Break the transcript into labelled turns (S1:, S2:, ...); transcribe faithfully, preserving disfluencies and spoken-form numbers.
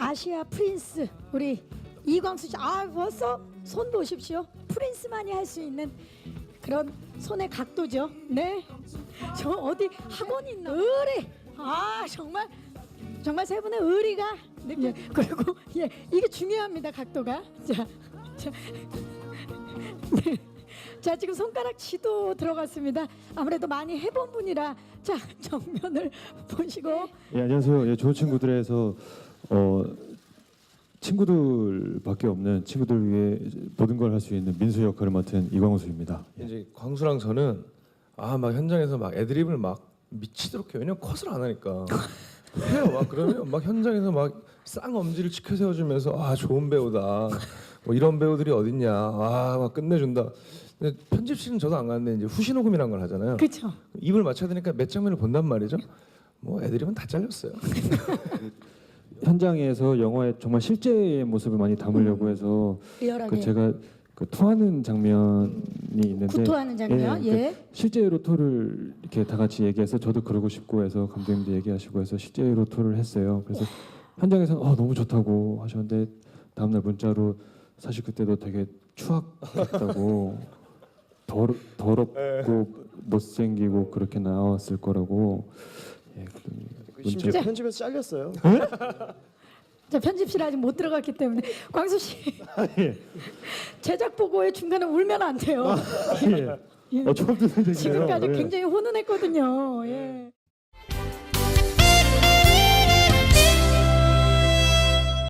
S1: 아시아 프린스 우리 이광수 씨. 아 벌써 손 보십시오. 프린스만이 할 수 있는 그런 손의 각도죠. 네. 저 어디 학원 있나? 의리. 아 정말 정말 세 분의 의리가 느껴. 예, 그리고 예 이게 중요합니다. 각도가. 자, 자, 네. 자 지금 손가락 치도 들어갔습니다. 아무래도 많이 해본 분이라 자 정면을 보시고.
S2: 예, 안녕하세요. 예, 좋은 친구들에서 어, 친구들밖에 없는 친구들 위해 모든 걸 할 수 있는 민수 역할을 맡은 이광수입니다. 예.
S3: 이제 광수랑 저는 아 막 현장에서 막 애드립을 막 미치도록 해요. 왜냐면 컷을 안 하니까 해요. 막 그러면 막 현장에서 막 쌍엄지를 치켜 세워주면서 아 좋은 배우다. 뭐 이런 배우들이 어딨냐. 아 막 끝내준다. 근데 편집실은 저도 안 가는데 이제 후시 녹음이란 걸 하잖아요.
S1: 그렇죠.
S3: 입을 맞춰야 되니까 몇 장면을 본단 말이죠. 뭐 애드립은 다 잘렸어요.
S2: 현장에서 영화의 정말 실제의 모습을 많이 담으려고 해서
S1: 리얼하게.
S2: 그 제가 그 토하는 장면이 있는데
S1: 구토하는 장면. 예.
S2: 그 실제로 토를 이렇게 다 같이 얘기해서 저도 그러고 싶고 해서 감독님도 얘기하시고 해서 실제로 토를 했어요. 그래서 현장에서는 어, 너무 좋다고 하셨는데 다음날 문자로 사실 그때도 되게 추악했다고 더러, 더럽고 못생기고 그렇게 나왔을 거라고. 예,
S4: 심지어
S1: 문자-
S4: 편집에서 잘렸어요.
S1: 자 편집실 아직 못 들어갔기 때문에 광수 씨
S2: 예.
S1: 제작 보고에 중간에 울면 안 돼요.
S2: 예.
S1: 예.
S2: 어, 처음 듣는 얘기예요.
S1: 지금까지
S2: 예.
S1: 굉장히 훈훈했거든요. 예.